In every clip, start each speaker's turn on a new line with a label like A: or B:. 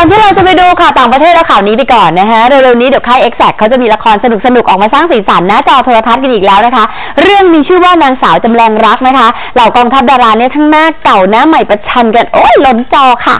A: อนที่เราจะไปดูข่าวต่างประเทศและข่าวนี้ไปก่อนนะฮะเร็วๆนี้เดี๋ยวค่าย Exact เขาจะมีละครสนุกๆออกมาสร้างสีสันหน้าจอโทรทัศน์กันอีกแล้วนะคะเรื่องมีชื่อว่านางสาวจำแรงรักนะคะเหล่ากองทัพดาราเนี่ยทั้งหน้าเก่าหน้าใหม่ประชันกันโอ้ยล้นจอค่ะ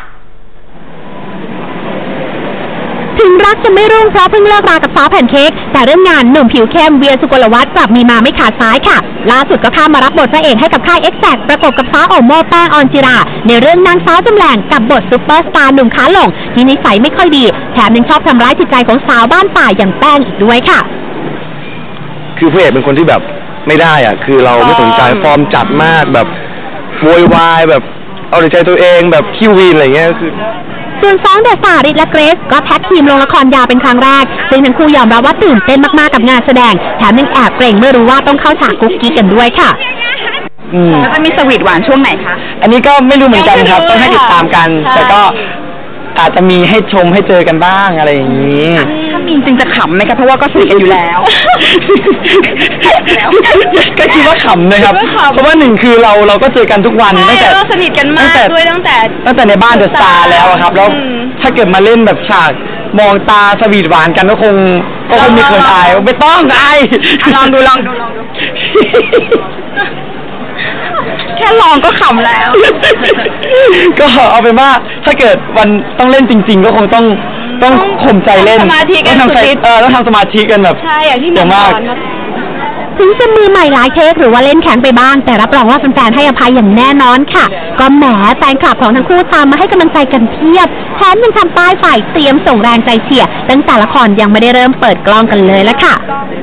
B: ถึงรักจะไม่รุ่งเพราะเพิ่งเลิกรากับฟ้าแผ่นเค้กแต่เรื่องงานหนุ่มผิวเข้มเวียสุกลวัฒน์กลับมีมาไม่ขาดสายค่ะล่าสุดก็ข้ามมารับบทพระเอกให้กับค่าย Exact ประกบกับฟ้าโอโม่แป้งออนจิราในเรื่องนางสาวจำแรงกับบทซุปเปอร์สตาร์หนุ่มขาหลงที่นิสัยไม่ค่อยดีแถมยังชอบทำร้ายจิตใจของสาวบ้านป่าอย่างแป้งอีกด้วยค่ะ
C: คือพระเอกเป็นคนที่แบบไม่ได้อ่ะคือเราไม่สนใจฟอร์มจัดมากแบบโวยวายแบบเอาแต่ใจตัวเองแบบคิววีนอะไรเงี้ยคือ
B: ส่วน2เดอะสตาร์ริทและเกรซก็แท็กทีมลงละครยาวเป็นครั้งแรกซึ่งทั้งคู่ยอมรับว่าตื่นเต้นมากๆกับงานแสดงแถมยังแอบเกรงเมื่อรู้ว่าต้องเข้าฉากกุ๊กกิ๊กกันด้วยค่ะ
A: แล้วจะมีสวีทหวานช่วงไหนคะ
C: อันนี้ก็ไม่รู้เหมือนกันครับต้องให้ติดตามกันแต่ก็อาจจะมีให้ชมให้เจอกันบ้างอะไรอย่างนี้
A: ถ้ามีจริงจะขำไหมคะเพราะว่าก็สนิทกันอยู่แล้ว
C: ก็คิดว่าขำนะครับเพราะว่าหนึ่งคือเราก็เจอกันทุกวัน
A: ตั้งแต่สนิทกันมากด้วยตั้งแต่
C: ในบ้านเดอะสตาร์แล้วครับแล้วถ้าเกิดมาเล่นแบบฉากมองตาสวีทหวานกันก็คงมีคนอายไม่ต้องอาย
A: ลองดูแค่ลองก็ขำแล้ว
C: ก็เอาเป็นว่าถ้าเกิดวันต้องเล่นจริงๆก็คงต้องข่มใจเล่น
A: สมาธิกัน
C: ต้องทำสมาธิกันแบบ
A: ใช่อย่างที่มาก
B: ถึงจะมือใหม่หลายเทคหรือว่าเล่นแข็งไปบ้างแต่รับรองว่าแฟนๆให้อภัยอย่างแน่นอนค่ะก็แหมแฟนคลับของทั้งคู่ตามมาให้กำลังใจกันเพียบแถมยังทำป้ายฝ่ายเตรียมส่งแรงใจเชียร์ตั้งแต่ละครยังไม่ได้เริ่มเปิดกล้องกันเลยละค่ะ